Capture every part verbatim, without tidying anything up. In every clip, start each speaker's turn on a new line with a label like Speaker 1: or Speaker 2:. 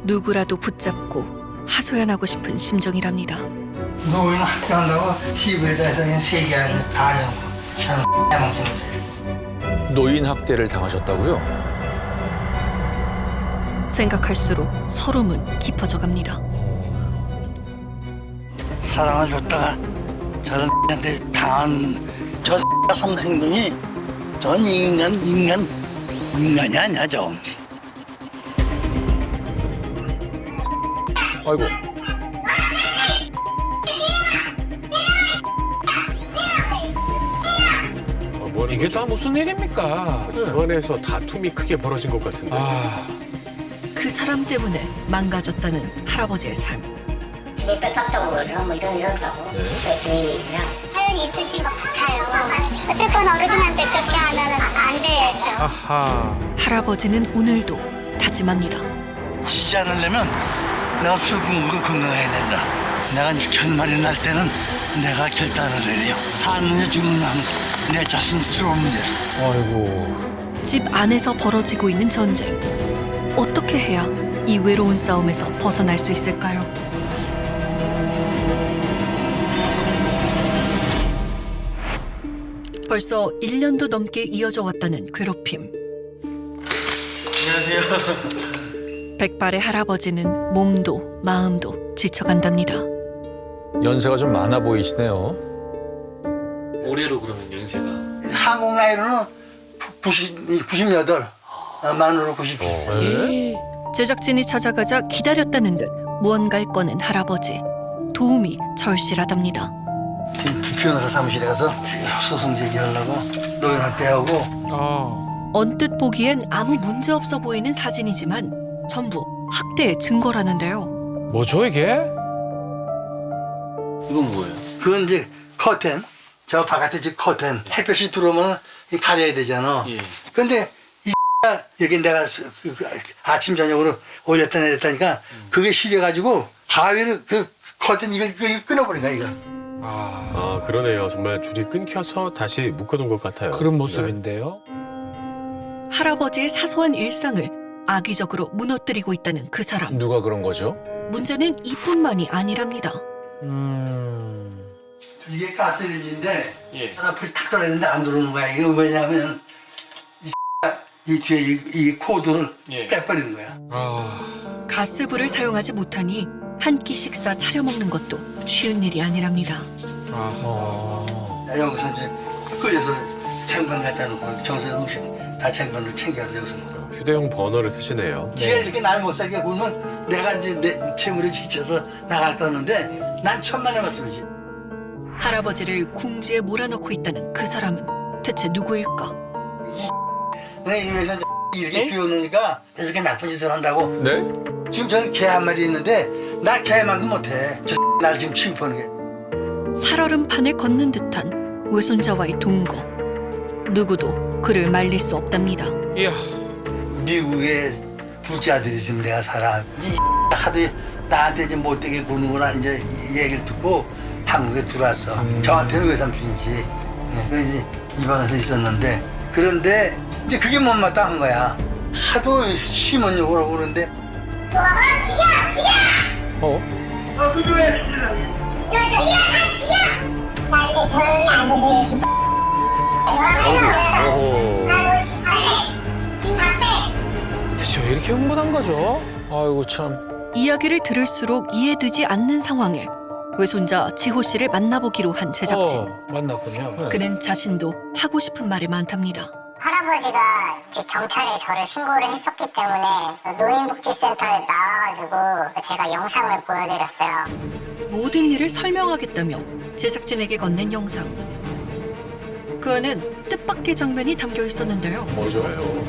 Speaker 1: 누구라도 붙잡고 하소연하고 싶은 심정이랍니다.
Speaker 2: 노인 학교한다고 티비에다 해서 그냥 세계 안에 다 해놓고 저는 해먹는 거예요.
Speaker 3: 노인 학대를 당하셨다고요?
Speaker 1: 생각할수록 서름은 깊어져 갑니다.
Speaker 2: 사랑을 줬다가 저런 한테 당한 저 한 행동이 전 인간 인간 인간이 아니야 저.
Speaker 3: 아이고.
Speaker 4: 어, 뭐
Speaker 5: 이게 다 무슨 일입니까?
Speaker 4: 집안에서 다툼이 크게 벌어진 것 같은데.
Speaker 5: 아,
Speaker 1: 그 사람 때문에 망가졌다는 할아버지의 삶.
Speaker 6: 이걸 뺏었다고 그러나 뭐 이런 이러더라고. 그 증인이고요.
Speaker 7: 사연이 있으신 것 같아요. 어쨌건 어르신한테 그렇게 하면 안 되죠.
Speaker 5: 아하.
Speaker 1: 할아버지는 오늘도 다짐합니다.
Speaker 2: 지지 않으려면 내가 술꾼 거 건강해야 된다. 내가 결말이 날 때는 내가 결단을 내려. 사느냐 죽느냐는 내 자신스러운 문제를.
Speaker 3: 아이고.
Speaker 1: 집 안에서 벌어지고 있는 전쟁. 어떻게 해야 이 외로운 싸움에서 벗어날 수 있을까요? 벌써 일 년도 넘게 이어져 왔다는 괴롭힘. 안녕하세요. 백발의 할아버지는 몸도 마음도 지쳐간답니다.
Speaker 3: 연세가 좀 많아 보이시네요.
Speaker 5: 올해로 그러면 연세가?
Speaker 2: 한국 나이로는 구십, 구십여덟, 아, 만으로 구십칠 세.
Speaker 1: 제작진이 찾아가자 기다렸다는 듯 무언가를 꺼낸 할아버지. 도움이 절실하답니다.
Speaker 2: 지금 변호사 사무실에 가서 소송 제기하려고 노인학대하고
Speaker 5: 아,
Speaker 1: 언뜻 보기엔 아무 문제 없어 보이는 사진이지만 전부 학대의 증거라는데요.
Speaker 5: 뭐죠 이게? 이건 뭐예요?
Speaker 2: 그건 이제 커튼, 저 바깥에 지금 커튼 햇볕이 들어오면 이 가려야 되잖아.
Speaker 5: 예.
Speaker 2: 근데 이 이렇게 내가 스- 그- 그 아침 저녁으로 올렸다 내렸다니까 그게 시려가지고 가위를 그 커튼 이걸, 이걸 끊어버린 거야 이거.
Speaker 5: 아,
Speaker 4: 아 그러네요. 정말 줄이 끊겨서 다시 묶어둔 것 같아요.
Speaker 5: 그런 모습인데요.
Speaker 1: 할아버지의 사소한 일상을 악의적으로 무너뜨리고 있다는 그 사람.
Speaker 3: 누가 그런 거죠?
Speaker 1: 문제는 이뿐만이 아니랍니다.
Speaker 2: 이게 가스레인지인데
Speaker 4: 예.
Speaker 2: 하나 불이 탁 떨어졌는데 안 들어오는 거야. 이거 왜냐면 이, 이 뒤에 이, 이 코드를
Speaker 4: 예.
Speaker 2: 빼버리는 거야.
Speaker 5: 아,
Speaker 1: 가스불을 사용하지 못하니 한 끼 식사 차려 먹는 것도 쉬운 일이 아니랍니다.
Speaker 5: 아,
Speaker 2: 야, 여기서 이제 끓여서 쟁반 갖다 놓고 저기서 음식 다 쟁반으로 챙겨서 여기서 먹어.
Speaker 4: 휴대용 버너를 쓰시네요.
Speaker 2: 지가 이렇게 날 못 살게 굴면 내가 이제 내 채물에 지쳐서 나갈 거는데 난 천만의 말씀이지.
Speaker 1: 할아버지를 궁지에 몰아넣고 있다는 그 사람은 대체 누구일까?
Speaker 2: 내가 이래서 이렇게 비워놓으니까 이렇게 나쁜 짓을 한다고.
Speaker 3: 네?
Speaker 2: 지금 저기 개 한 마리 있는데 나 개만도 못해. 저 날 지금 취급하는 게.
Speaker 1: 살얼음판을 걷는 듯한 외손자와의 동거. 누구도 그를 말릴 수 없답니다.
Speaker 5: 이야,
Speaker 2: 미국에 둘째 아들이 있으면 내가 살아. 이 하도 나한테 이제 못되게 구는구나 이제 이 얘기를 듣고 한국에 들어왔어. 저한테는 외삼촌이지. 네, 그래서 이제 입양해서 있었는데 그런데 이제 그게 못마땅한 거야. 하도 심한 욕을 하고 그러는데
Speaker 3: 어?
Speaker 2: 어, 그게 왜?
Speaker 4: 오호.
Speaker 5: 대체 왜 이렇게 흥분한 거죠?
Speaker 3: 아이고 참.
Speaker 1: 이야기를 들을수록 이해되지 않는 상황에 외손자 지호 씨를 만나보기로 한 제작진.
Speaker 5: 어, 만났군요.
Speaker 1: 그는 자신도 하고 싶은 말이 많답니다.
Speaker 6: 할아버지가 이제 경찰에 저를 신고를 했었기 때문에 그래서 노인복지센터에 나와가지고 제가 영상을 보여드렸어요.
Speaker 1: 모든 일을 설명하겠다며 제작진에게 건넨 영상. 그 안엔 뜻밖의 장면이 담겨 있었는데요.
Speaker 3: 뭐죠?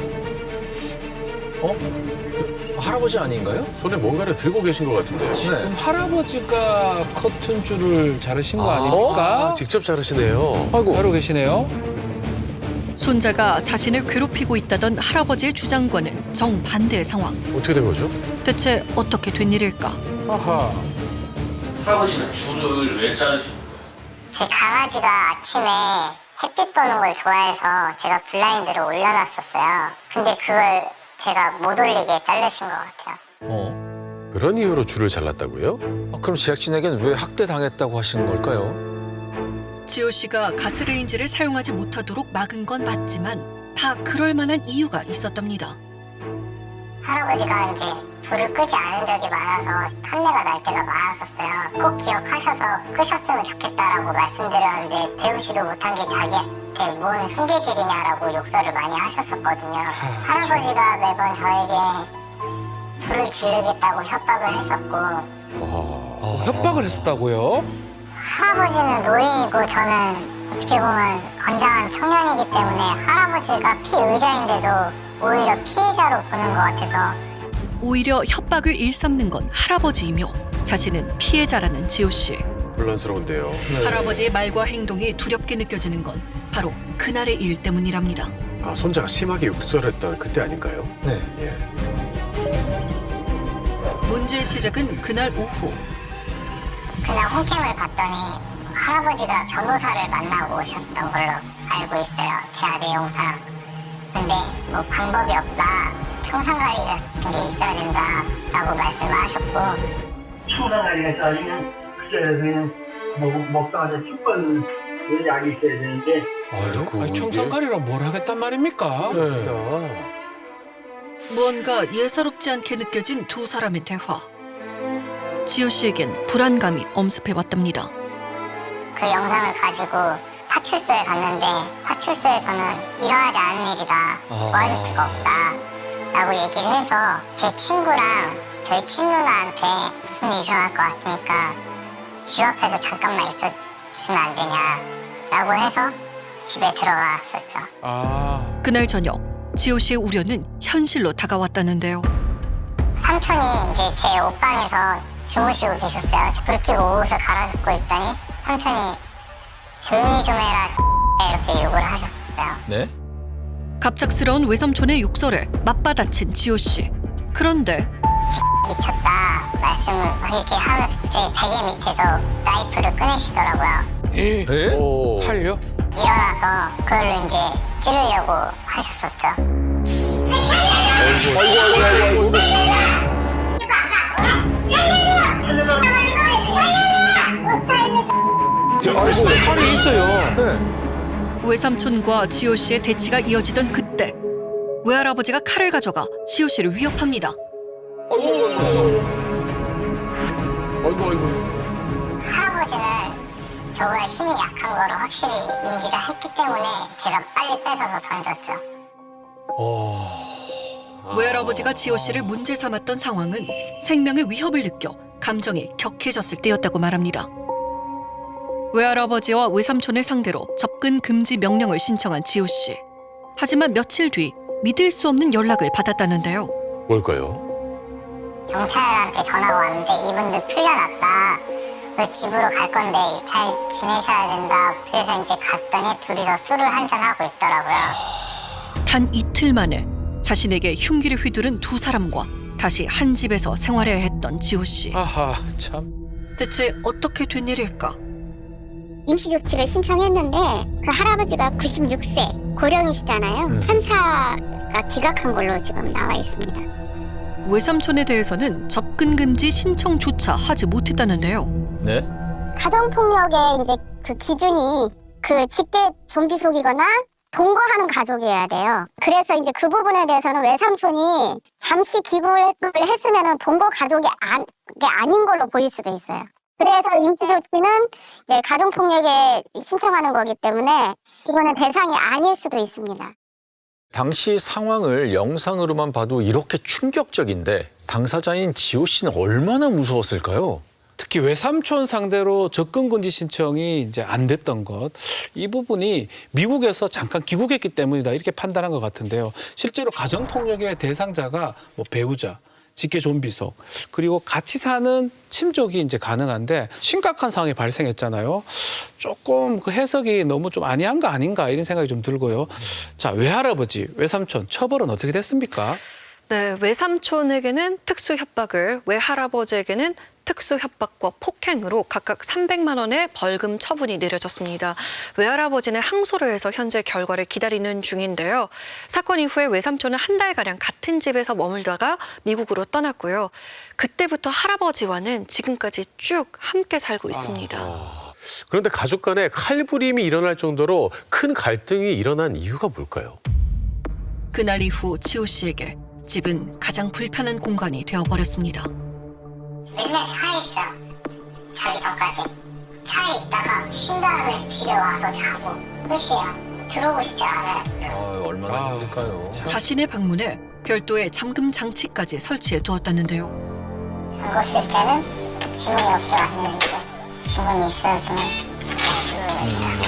Speaker 3: 어? 할아버지 아닌가요?
Speaker 4: 손에 뭔가를 들고 계신 것 같은데요.
Speaker 5: 그럼 할아버지가 커튼줄을 자르신 거
Speaker 3: 아,
Speaker 5: 아닙니까?
Speaker 4: 아, 직접 자르시네요.
Speaker 3: 아이고.
Speaker 5: 따로 계시네요.
Speaker 1: 손자가 자신을 괴롭히고 있다던 할아버지의 주장과는 정반대의 상황.
Speaker 4: 어떻게 된 거죠?
Speaker 1: 대체 어떻게 된 일일까?
Speaker 5: 아하.
Speaker 8: 할아버지는 줄을 왜 자르신 거예요?
Speaker 6: 제 강아지가 아침에 햇빛 보는 걸 좋아해서 제가 블라인드를 올려놨었어요. 근데 그걸 제가 못 올리게 자르신 것 같아요.
Speaker 3: 어?
Speaker 4: 그런 이유로 줄을 잘랐다고요?
Speaker 3: 아, 그럼 제작진에겐 왜 학대 당했다고 하신 걸까요?
Speaker 1: 지호 씨가 가스레인지를 사용하지 못하도록 막은 건 맞지만 다 그럴 만한 이유가 있었답니다.
Speaker 6: 할아버지가 이제 불을 끄지 않은 적이 많아서 탄내가 날 때가 많았었어요. 꼭 기억하셔서 끄셨으면 좋겠다라고 말씀드렸는데 배우지도 못한 게 자기한테 뭔 흉계질이냐라고 욕설을 많이 하셨었거든요. 할아버지가 매번 저에게 불을 지르겠다고 협박을 했었고
Speaker 5: 어, 협박을 했었다고요?
Speaker 6: 할아버지는 노인이고 저는 어떻게 보면 건장한 청년이기 때문에 할아버지가 피의자인데도 오히려 피해자로 보는 것 같아서
Speaker 1: 오히려 협박을 일삼는 건 할아버지이며 자신은 피해자라는 지호 씨.
Speaker 4: 혼란스러운데요.
Speaker 1: 할아버지의 말과 행동이 두렵게 느껴지는 건 바로 그날의 일 때문이랍니다.
Speaker 4: 아, 손자가 심하게 욕설했던 그때 아닌가요?
Speaker 3: 네.
Speaker 4: 예.
Speaker 1: 문제의 시작은 그날 오후.
Speaker 6: 그날 홈캠을 봤더니 할아버지가 변호사를 만나고 오셨던 걸로 알고 있어요. 제 아들 영상. 근데 뭐 방법이 없다. 청산가리 같은 게 있어야 된다라고 말씀하셨고
Speaker 2: 청산가리가 따지면 그때는 먹, 먹다가 십 번 약이 있어야 되는데
Speaker 3: 아이고.
Speaker 5: 아니, 청산가리랑 뭘 하겠단 말입니까?
Speaker 3: 네.
Speaker 1: 무언가 예사롭지 않게 느껴진 두 사람의 대화. 지호 씨에겐 불안감이 엄습해왔답니다.
Speaker 6: 그 영상을 가지고 파출소에 갔는데 파출소에서는 일어나지 않은 일이다. 도와줄 수가 없다. 라고 얘기를 해서 제 친구랑 저희 친누나한테 무슨 일이 일어날 것 같으니까 집 앞에서 잠깐만 있어주면 안 되냐 라고 해서 집에 들어갔었죠.
Speaker 5: 아,
Speaker 1: 그날 저녁 지호 씨의 우려는 현실로 다가왔다는데요.
Speaker 6: 삼촌이 이제 제 옷방에서 주무시고 계셨어요. 불 켜고 옷을 갈아입고 있더니 삼촌이 조용히 좀 해라 이렇게 욕을 하셨었어요.
Speaker 3: 네?
Speaker 1: 갑작스러운 외삼촌의 욕설에 맞받아친 지호 씨. 그런데
Speaker 6: 미쳤다 말씀을 이렇게 하면서 제 베개 밑에서 나이프를 꺼내시더라고요.
Speaker 5: 에?
Speaker 3: 네?
Speaker 4: 오.
Speaker 5: 팔려?
Speaker 6: 일어나서 그걸로 이제 찌르려고 하셨었죠.
Speaker 5: 아이고, 팔이 있어요.
Speaker 3: 네.
Speaker 1: 외삼촌과 지호 씨의 대치가 이어지던 그때 외할아버지가 칼을 가져가 지호 씨를 위협합니다.
Speaker 4: 아이고, 아이고.
Speaker 6: 할아버지는 저보다 힘이 약한 거를 확실히 인지를 했기 때문에 제가 빨리 뺏어서 던졌죠.
Speaker 1: 외할아버지가 지호 씨를 문제 삼았던 상황은 생명의 위협을 느껴 감정이 격해졌을 때였다고 말합니다. 외할아버지와 외삼촌을 상대로 접근 금지 명령을 신청한 지호 씨. 하지만 며칠 뒤 믿을 수 없는 연락을 받았다는데요.
Speaker 4: 뭘까요?
Speaker 6: 경찰한테 전화가 왔는데 이분들 풀려났다. 그 집으로 갈 건데 잘 지내셔야 된다. 그래서 이제 갔더니 둘이서 술을 한잔하고 있더라고요.
Speaker 1: 단 이틀 만에 자신에게 흉기를 휘두른 두 사람과 다시 한 집에서 생활해야 했던 지호 씨.
Speaker 5: 아하, 참.
Speaker 1: 대체 어떻게 된 일일까?
Speaker 7: 임시조치를 신청했는데 그 할아버지가 구십육 세 고령이시잖아요.
Speaker 3: 음.
Speaker 7: 판사가 기각한 걸로 지금 나와 있습니다.
Speaker 1: 외삼촌에 대해서는 접근 금지 신청조차 하지 못했다는데요.
Speaker 3: 네?
Speaker 7: 가정폭력의 이제 그 기준이 그 직계 좀비 속이거나 동거하는 가족이어야 돼요. 그래서 이제 그 부분에 대해서는 외삼촌이 잠시 기구를 했으면은 동거 가족이 안, 게 아닌 걸로 보일 수도 있어요. 그래서 임시조치는 이제 가정폭력에 신청하는 거기 때문에 이거는 대상이 아닐 수도 있습니다.
Speaker 3: 당시 상황을 영상으로만 봐도 이렇게 충격적인데 당사자인 지호 씨는 얼마나 무서웠을까요?
Speaker 5: 특히 외삼촌 상대로 접근 금지 신청이 이제 안 됐던 것, 이 부분이 미국에서 잠깐 귀국했기 때문이다 이렇게 판단한 것 같은데요. 실제로 가정폭력의 대상자가 뭐 배우자, 직계 좀비속, 그리고 같이 사는 친족이 이제 가능한데 심각한 상황이 발생했잖아요. 조금 그 해석이 너무 좀 아니한 거 아닌가 이런 생각이 좀 들고요. 자, 외할아버지, 외삼촌 처벌은 어떻게 됐습니까?
Speaker 1: 네, 외삼촌에게는 특수 협박을, 외할아버지에게는 특수 협박과 폭행으로 각각 삼백만 원의 벌금 처분이 내려졌습니다. 외할아버지는 항소를 해서 현재 결과를 기다리는 중인데요. 사건 이후에 외삼촌은 한 달가량 같은 집에서 머물다가 미국으로 떠났고요. 그때부터 할아버지와는 지금까지 쭉 함께 살고 있습니다.
Speaker 4: 그런데 가족 간에 칼부림이 일어날 정도로 큰 갈등이 일어난 이유가 뭘까요?
Speaker 1: 그날 이후 지호 씨에게 집은 가장 불편한 공간이 되어버렸습니다.
Speaker 6: 맨날 차에 있어요. 자기 전까지. 차에 있다가 쉰 다음에 집에 와서 자고 끝이에요. 들어오고 싶지 않아요.
Speaker 3: 아, 얼마나 힘들까요?
Speaker 1: 자신의 방문에 별도의 잠금 장치까지 설치해 두었다는데요.
Speaker 6: 잠궜을 때는 지문이 없이 왔는데 지문이 있어야지만 지문을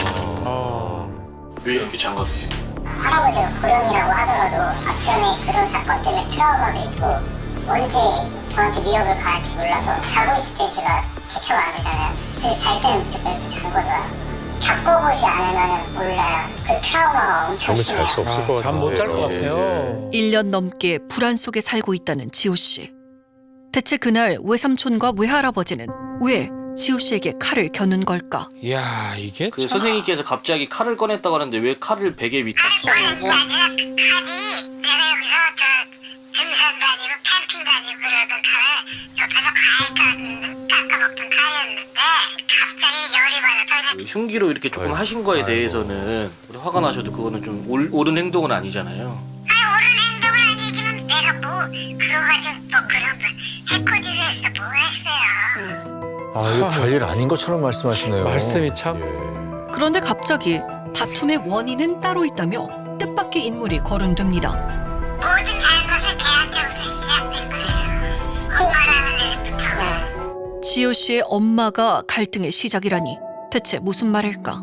Speaker 6: 얘기하죠.
Speaker 8: 왜 이렇게 장갑으시죠?
Speaker 6: 할아버지가 고령이라고 하더라도 앞전에 그런 사건 때문에 트라우마도 있고 언제 저한테 위협을 가할지 몰라서 자고 있을 때 제가 대처가 안 되잖아요. 그래서 잘 때는 무조건 이렇게 잠궈둬요. 겪어보지 않으면 몰라요. 그 트라우마가 엄청
Speaker 4: 잠을
Speaker 6: 심해요.
Speaker 4: 잘 수 없을 것 같아요.
Speaker 5: 잠 못 잘 것
Speaker 4: 예,
Speaker 5: 같아요.
Speaker 1: 일 년 넘게 불안 속에 살고 있다는 지호 씨. 대체 그날 외삼촌과 외할아버지는 왜 지호 씨에게 칼을 겨눈 걸까?
Speaker 5: 이야, 이게
Speaker 8: 그
Speaker 5: 참...
Speaker 8: 선생님께서 갑자기 칼을 꺼냈다고 하는데 왜 칼을 베개 밑에
Speaker 6: 아니 그게 아니라 칼이 내가 여기서 저 등산 다니고 캠핑 다니고 그러던 칼을 옆에서 과일 깎아먹던 칼이었는데 갑자기 열이 받아서 그냥
Speaker 8: 흉기로 이렇게 조금
Speaker 4: 아이고.
Speaker 8: 하신 거에
Speaker 4: 아이고.
Speaker 8: 대해서는 우리 화가 나셔도 그거는 좀 올, 옳은 행동은 아니잖아요.
Speaker 6: 아니 옳은 행동은 아니지만 내가 뭐 그거 가지고 또 그런 걸 해코지를 했어 뭐 했어요.
Speaker 3: 아, 이거 별일 아닌 것처럼 말씀하시네요.
Speaker 5: 말씀이 참...
Speaker 1: 그런데 갑자기 다툼의 원인은 따로 있다며 뜻밖의 인물이 거론됩니다.
Speaker 6: 모든 잘못은 걔한테부터 시작된 거예요. 콩말하는 애부터.
Speaker 1: 지호 씨의 엄마가 갈등의 시작이라니 대체 무슨 말일까?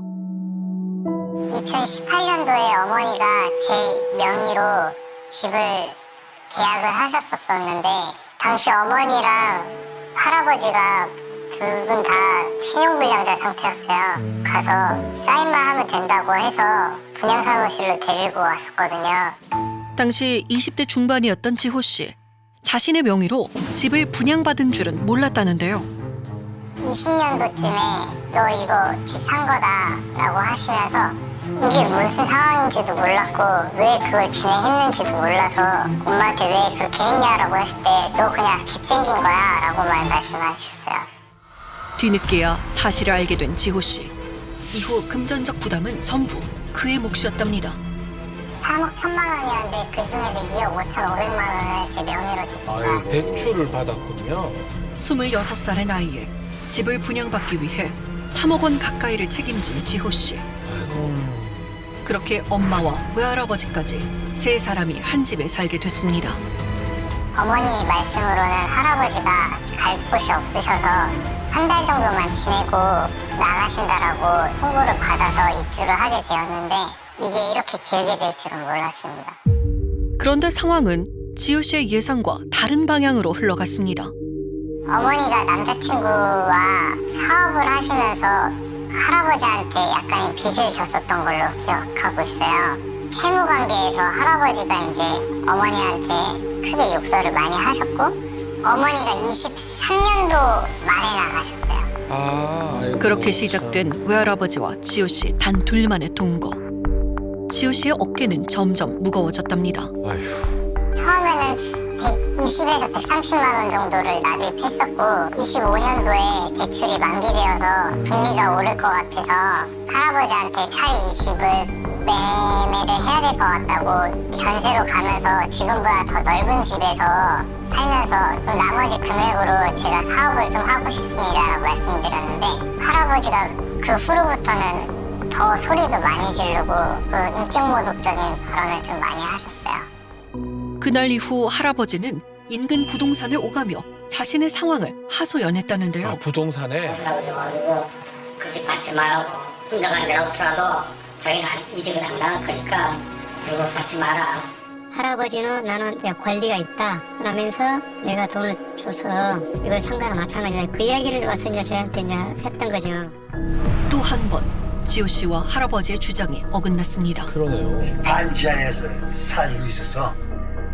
Speaker 6: 이천십팔 년도에 어머니가 제 명의로 집을 계약을 하셨었었는데 당시 어머니랑 할아버지가 두 분 다 신용불량자 상태였어요. 가서 사인만 하면 된다고 해서 분양사무실로 데리고 왔었거든요.
Speaker 1: 당시 이십 대 중반이었던 지호 씨. 자신의 명의로 집을 분양받은 줄은 몰랐다는데요.
Speaker 6: 이십 년도쯤에 너 이거 집 산 거다라고 하시면서 이게 무슨 상황인지도 몰랐고 왜 그걸 진행했는지도 몰라서 엄마한테 왜 그렇게 했냐라고 했을 때 너 그냥 집 생긴 거야 라고만 말씀하셨어요.
Speaker 1: 뒤늦게야 사실을 알게 된 지호 씨. 이후 금전적 부담은 전부 그의 몫이었답니다.
Speaker 6: 삼억 천만 원이었는데 그 중에서 이억 오천오백만 원을 제 명의로 대출받았어요.
Speaker 5: 대출을 받았군요.
Speaker 1: 스물여섯 살의 나이에 집을 분양받기 위해 삼억 원 가까이를 책임진 지호 씨. 그렇게 엄마와 외할아버지까지 세 사람이 한 집에 살게 됐습니다.
Speaker 6: 어머니 말씀으로는 할아버지가 갈 곳이 없으셔서 한 달 정도만 지내고 나가신다라고 통보를 받아서 입주를 하게 되었는데 이게 이렇게 길게 될 줄은 몰랐습니다.
Speaker 1: 그런데 상황은 지호 씨의 예상과 다른 방향으로 흘러갔습니다.
Speaker 6: 어머니가 남자친구와 사업을 하시면서 할아버지한테 약간의 빚을 졌었던 걸로 기억하고 있어요. 채무 관계에서 할아버지가 이제 어머니한테 크게 욕설을 많이 하셨고 어머니가 이십삼 년도 말에 나가셨어요.
Speaker 5: 아, 아이고.
Speaker 1: 그렇게 시작된 외할아버지와 지호 씨 단 둘만의 동거. 지호 씨의 어깨는 점점 무거워졌답니다.
Speaker 4: 아휴.
Speaker 6: 처음에는 백이십에서 백삼십만 원 정도를 납입했었고 이십오 년도에 대출이 만기되어서 금리가 오를 것 같아서 할아버지한테 차리 이 집을 매매를 해야 될 것 같다고 전세로 가면서 지금보다 더 넓은 집에서 살면서 좀 나머지 금액으로 제가 사업을 좀 하고 싶습니다라고 말씀드렸는데 할아버지가 그 후로부터는 더 소리도 많이 지르고 그 인격모독적인 발언을 좀 많이 하셨어요.
Speaker 1: 그날 이후 할아버지는 인근 부동산을 오가며 자신의 상황을 하소연했다는데요.
Speaker 5: 아, 부동산에
Speaker 9: 가지고 그 집 받지 말라고 흥정한 데로더라도 저희는 이 집은 안 나갈 거니까 이거 받지 마라.
Speaker 7: 할아버지는 나는 내 권리가 있다 그러면서 내가 돈을 줘서 이걸 상가랑 마찬가지다 그 이야기를 와서 이제 저한테 이제 했던 거죠.
Speaker 1: 또 한 번 지호 씨와 할아버지의 주장이 어긋났습니다.
Speaker 3: 그러네요.
Speaker 2: 반지하에서 살고 있어서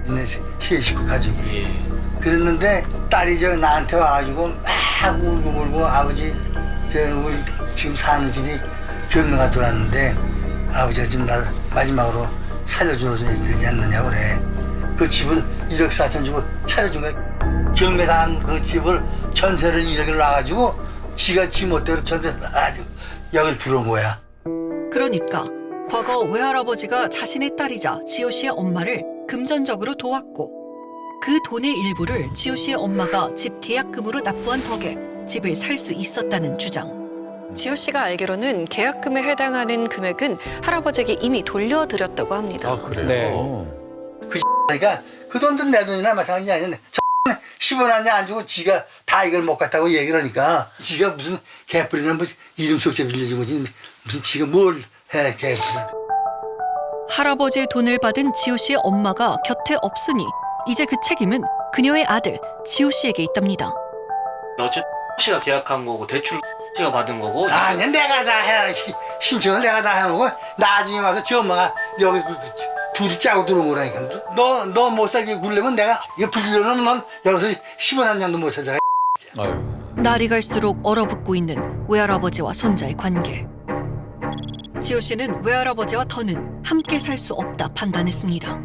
Speaker 2: 내 세 식구 가족이.
Speaker 8: 예.
Speaker 2: 그랬는데 딸이 저 나한테 와가지고 막 울고 울고 아버지 저 우리 지금 사는 집이 경매가 들어왔는데 아버지가 지금 나 마지막으로 살려줘야 되지 않느냐고 그래. 그 집을 일억 사천 주고 차려준 거야. 경매당한 그 집을 전세를 일억을 놔가지고 지가 지 못대로 전세를 놔가지고 여길 들어온 거야.
Speaker 1: 그러니까 과거 외할아버지가 자신의 딸이자 지호 씨의 엄마를 금전적으로 도왔고 그 돈의 일부를 지호 씨의 엄마가 집 계약금으로 납부한 덕에 집을 살 수 있었다는 주장. 지호 씨가 알기로는 계약금에 해당하는 금액은 할아버지에게 이미 돌려드렸다고 합니다.
Speaker 4: 아 그래요?
Speaker 5: 네.
Speaker 2: 그러니까 그 돈도 내 돈이나 마찬가지 아니야. 십 원 한 장 안 주고 지가 다 이걸 못 갔다고 얘기를 하니까 지가 무슨 개뿔이나 뭐 이름 속죄 빌려준 거지 무슨 지가 뭘 해 개뿔.
Speaker 1: 할아버지의 돈을 받은 지호 씨의 엄마가 곁에 없으니 이제 그 책임은 그녀의 아들 지호 씨에게 있답니다.
Speaker 8: 어쨌든 씨가 계약한 거고 대출 씨가 받은 거고.
Speaker 2: 아니 내가 다 해. 신청을 내가 다 해놓고 나중에 와서 지 엄마가 여기 그, 그, 둘이 짜고 들어온 거라니까. 너 너 못 살게 굴려면 내가 이거 불리려면 넌 여기서 십 원 한 장도 못 찾아.
Speaker 3: 아유.
Speaker 1: 날이 갈수록 얼어붙고 있는 외할아버지와 손자의 관계. 지호 씨는 외할아버지와 더는 함께 살 수 없다 판단했습니다.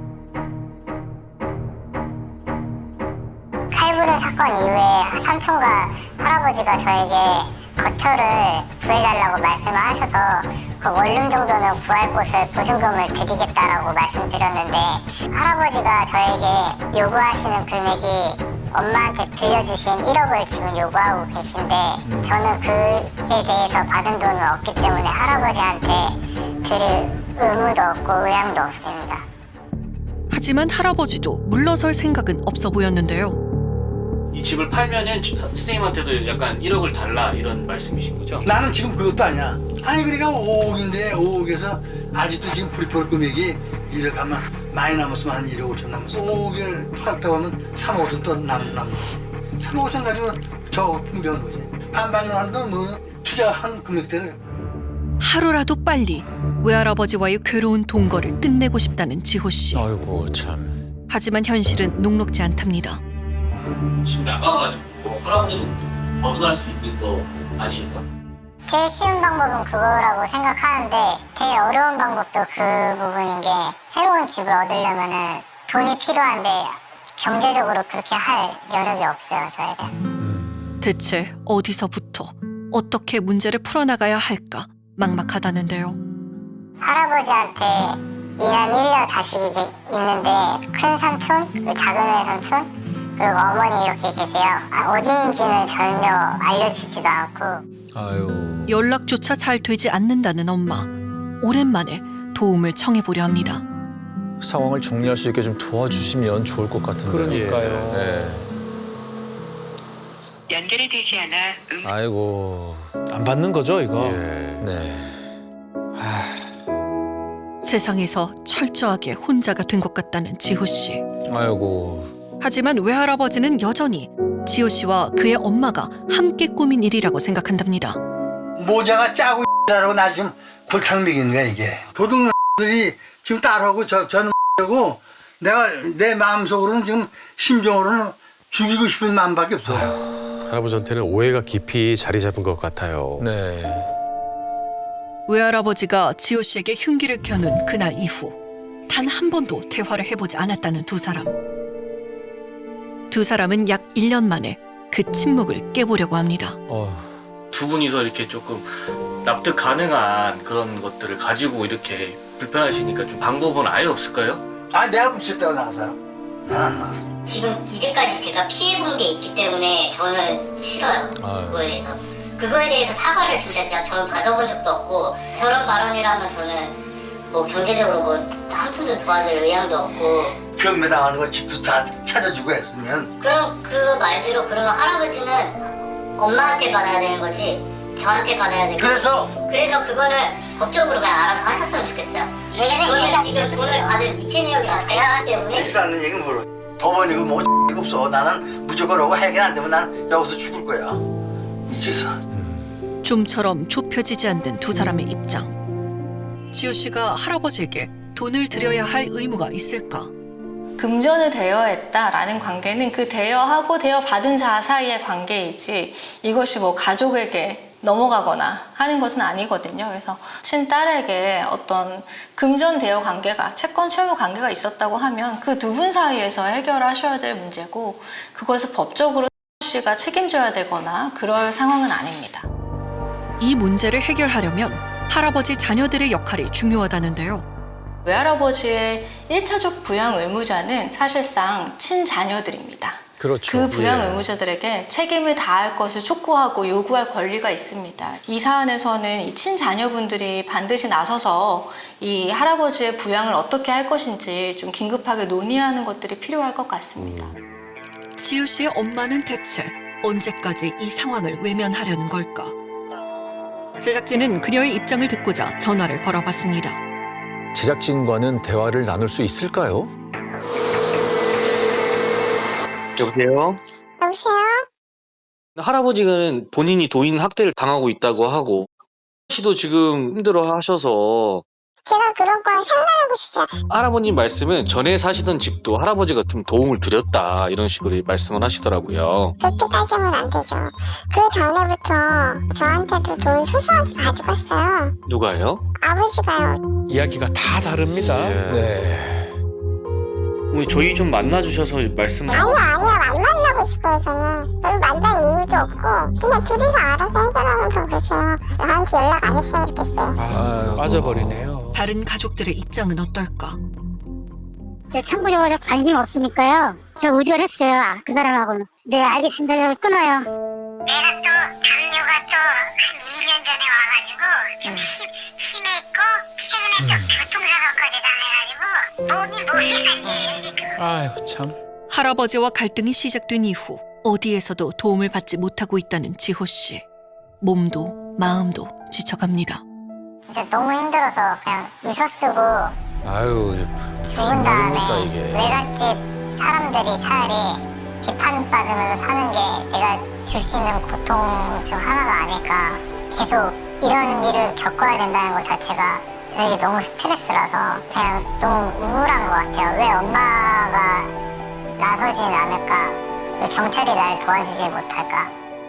Speaker 6: 칼부른 사건 이후에 삼촌과 할아버지가 저에게 거처를 구해달라고 말씀을 하셔서 그 원룸 정도는 구할 곳을 보증금을 드리겠다라고 말씀드렸는데 할아버지가 저에게 요구하시는 금액이 엄마한테 빌려주신 일억을 지금 요구하고 계신데 저는 그에 대해서 받은 돈은 없기 때문에 할아버지한테 드릴 의무도 없고 의향도 없습니다.
Speaker 1: 하지만 할아버지도 물러설 생각은 없어 보였는데요.
Speaker 8: 이 집을 팔면은 선생님한테도 약간 일억을 달라 이런 말씀이신 거죠?
Speaker 2: 나는 지금 그것도 아니야. 아니 그러니까 오억인데 오억에서 아직도 지금 불이폴 금액이 일억 하면 많이 남았으면 한 일억 오천 남았어. 오억에 팔았다고 하면 삼억 오천 또 남, 남은 거지. 삼억 오천 가지고 저 분배한 거지. 반반을 하는 건 뭐 투자한 금액대로.
Speaker 1: 하루라도 빨리 외할아버지와의 괴로운 동거를 끝내고 싶다는 지호 씨.
Speaker 3: 아이고 참.
Speaker 1: 하지만 현실은 녹록지 않답니다.
Speaker 8: 집이 아까워가지고 할아버지도 벗어날 수 있는 거 아니에요?
Speaker 6: 제일 쉬운 방법은 그거라고 생각하는데 제일 어려운 방법도 그 부분인 게 새로운 집을 얻으려면은 돈이 필요한데 경제적으로 그렇게 할 여력이 없어요, 저에게.
Speaker 1: 대체 어디서부터 어떻게 문제를 풀어나가야 할까 막막하다는데요.
Speaker 6: 할아버지한테 이남 일녀 자식이 있는데 큰 삼촌, 그 작은 외삼촌 그리고 어머니 이렇게 계세요. 아, 어디인지는 전혀 알려주지도 않고.
Speaker 3: 아유.
Speaker 1: 연락조차 잘 되지 않는다는 엄마. 오랜만에 도움을 청해보려 합니다.
Speaker 3: 상황을 정리할 수 있게 좀 도와주시면 좋을 것 같은데요.
Speaker 5: 그러니까요.
Speaker 3: 네.
Speaker 10: 연결이 되지 않아 음...
Speaker 3: 아이고.
Speaker 5: 안 받는 거죠, 이거?
Speaker 4: 예.
Speaker 3: 네.
Speaker 1: 세상에서 철저하게 혼자가 된 것 같다는 지호 씨.
Speaker 3: 아이고.
Speaker 1: 하지만 외할아버지는 여전히 지호 씨와 그의 엄마가 함께 꾸민 일이라고 생각한답니다.
Speaker 2: 모자가 짜고 라고 나 지금 골탕 먹이는 거야 이게. 도둑들이 지금 딸하고 저, 저는 고 내가 내 마음속으로는 지금 심정으로는 죽이고 싶은 마음밖에 없어.
Speaker 4: 할아버지한테는 오해가 깊이 자리 잡은 것 같아요.
Speaker 3: 네.
Speaker 1: 외할아버지가 지호 씨에게 흉기를 켜는 그날 이후 단 한 번도 대화를 해보지 않았다는 두 사람. 두 사람은 약 일 년 만에 그 침묵을 깨보려고 합니다.
Speaker 3: 어.
Speaker 8: 두 분이서 이렇게 조금 납득 가능한 그런 것들을 가지고 이렇게 불편하시니까 좀 방법은 아예 없을까요?
Speaker 2: 아 내가 훔쳤다고 나가서.
Speaker 9: 지금 이제까지 제가 피해본 게 있기 때문에 저는 싫어요.
Speaker 3: 아유.
Speaker 9: 그거에 대해서. 그거에 대해서 사과를 진짜 제가 저는 받아본 적도 없고 저런 발언이라면 저는 뭐 경제적으로 뭐 한 푼도 도와줄 의향도 없고
Speaker 2: 경매 당하는 거 집도 다 찾아주고 했으면.
Speaker 9: 그럼 그 말대로 그러면 할아버지는 엄마한테 받아야 되는 거지 저한테 받아야 되는
Speaker 2: 그래서
Speaker 9: 그래서 그거는 법적으로 그냥 알아서 하셨으면 좋겠어요. 저는 지금 돈을 받은 이체 내역이랑 다 있기 때문에
Speaker 2: 되지도 않는 얘기는 뭐로 법원이고 뭐 X가 없어. 나는 무조건 오고 해결 안 되면 난 여기서 죽을 거야 이 집에서.
Speaker 1: 좀처럼 좁혀지지 않는 두 사람의 입장. 지호 씨가 할아버지에게 돈을 드려야 할 의무가 있을까?
Speaker 11: 금전을 대여했다라는 관계는 그 대여하고 대여받은 자 사이의 관계이지 이것이 뭐 가족에게 넘어가거나 하는 것은 아니거든요. 그래서 친딸에게 어떤 금전 대여 관계가, 채권 채무 관계가 있었다고 하면 그 두 분 사이에서 해결하셔야 될 문제고 그것을 법적으로 씨가 책임져야 되거나 그럴 상황은 아닙니다.
Speaker 1: 이 문제를 해결하려면 할아버지 자녀들의 역할이 중요하다는데요.
Speaker 11: 외할아버지의 일차적 부양 의무자는 사실상 친자녀들입니다.
Speaker 3: 그렇죠.
Speaker 11: 그 부양
Speaker 3: 예.
Speaker 11: 의무자들에게 책임을 다할 것을 촉구하고 요구할 권리가 있습니다. 이 사안에서는 이 친자녀분들이 반드시 나서서 이 할아버지의 부양을 어떻게 할 것인지 좀 긴급하게 논의하는 것들이 필요할 것 같습니다.
Speaker 1: 지우 씨의 엄마는 대체 언제까지 이 상황을 외면하려는 걸까? 제작진은 그녀의 입장을 듣고자 전화를 걸어봤습니다.
Speaker 3: 제작진과는 대화를 나눌 수 있을까요?
Speaker 12: 여보세요?
Speaker 7: 여보세요?
Speaker 12: 할아버지는 본인이 도인 학대를 당하고 있다고 하고 씨도 지금 힘들어 하셔서
Speaker 7: 제가 그런 건 상관하고 싶어요.
Speaker 12: 할아버님 말씀은 전에 사시던 집도 할아버지가 좀 도움을 드렸다 이런 식으로 말씀을 하시더라고요.
Speaker 7: 그렇게 따지면 안 되죠. 그 전에부터 저한테도 돈 소소하게 가져갔어요.
Speaker 12: 누가요?
Speaker 7: 아버지가요.
Speaker 5: 이야기가 다 다릅니다.
Speaker 3: 네.
Speaker 12: 어머니 저희 좀 만나주셔서 말씀
Speaker 7: 아니야 아니야 안 만나고 싶어요 저는. 별로 만날 이유도 없고 그냥 둘이서 알아서 해결하면 더 그러세요. 나한테 연락 안 했으면 좋겠어요.
Speaker 5: 아, 빠져버리네요.
Speaker 1: 다른 가족들의 입장은 어떨까?
Speaker 7: 제 청구적으로 관심 없으니까요. 저 우절했어요. 아, 그 사람하고는. 네 알겠습니다. 저 끊어요. 내가 또 당뇨가 또 한 이 년 전에 와가지고 좀 심, 심했고 최근에 또 교통사고까지 당해가지고 몸이 뭐이 아니에요 지금.
Speaker 5: 아이고 참.
Speaker 1: 할아버지와 갈등이 시작된 이후 어디에서도 도움을 받지 못하고 있다는 지호 씨. 몸도 마음도 지쳐갑니다.
Speaker 6: 진짜 너무 힘들어서 그냥 유서 쓰고
Speaker 3: 아유,
Speaker 6: 죽은 다음에
Speaker 3: 말입니까, 이게.
Speaker 6: 외갓집 사람들이 차라리 비판받으면서 사는 게 내가 줄 수 있는 고통 중 하나가 아닐까. 계속 이런 일을 겪어야 된다는 것 자체가 저에게 너무 스트레스라서 그냥 너무 우울한 것 같아요. 왜 엄마가 나서진 않을까? 왜 경찰이 날 도와주지 못할까?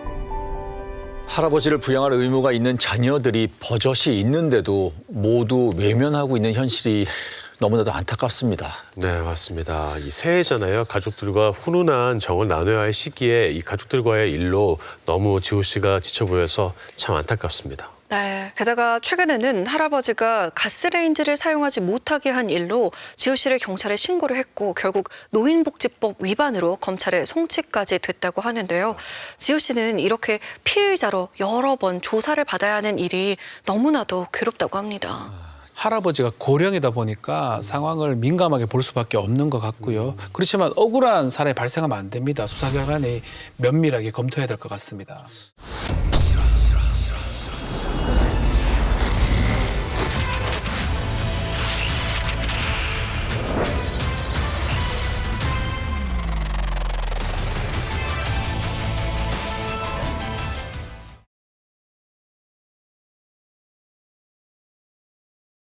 Speaker 3: 할아버지를 부양할 의무가 있는 자녀들이 버젓이 있는데도 모두 외면하고 있는 현실이 너무나도 안타깝습니다.
Speaker 4: 네, 맞습니다. 이 새해잖아요. 가족들과 훈훈한 정을 나눠야 할 시기에 이 가족들과의 일로 너무 지호 씨가 지쳐 보여서 참 안타깝습니다.
Speaker 1: 네, 게다가 최근에는 할아버지가 가스레인지를 사용하지 못하게 한 일로 지호 씨를 경찰에 신고를 했고 결국 노인복지법 위반으로 검찰에 송치까지 됐다고 하는데요. 지호 씨는 이렇게 피의자로 여러 번 조사를 받아야 하는 일이 너무나도 괴롭다고 합니다.
Speaker 5: 할아버지가 고령이다 보니까 상황을 민감하게 볼 수밖에 없는 것 같고요. 그렇지만 억울한 사례 발생하면 안 됩니다. 수사기관이 면밀하게 검토해야 될 것 같습니다.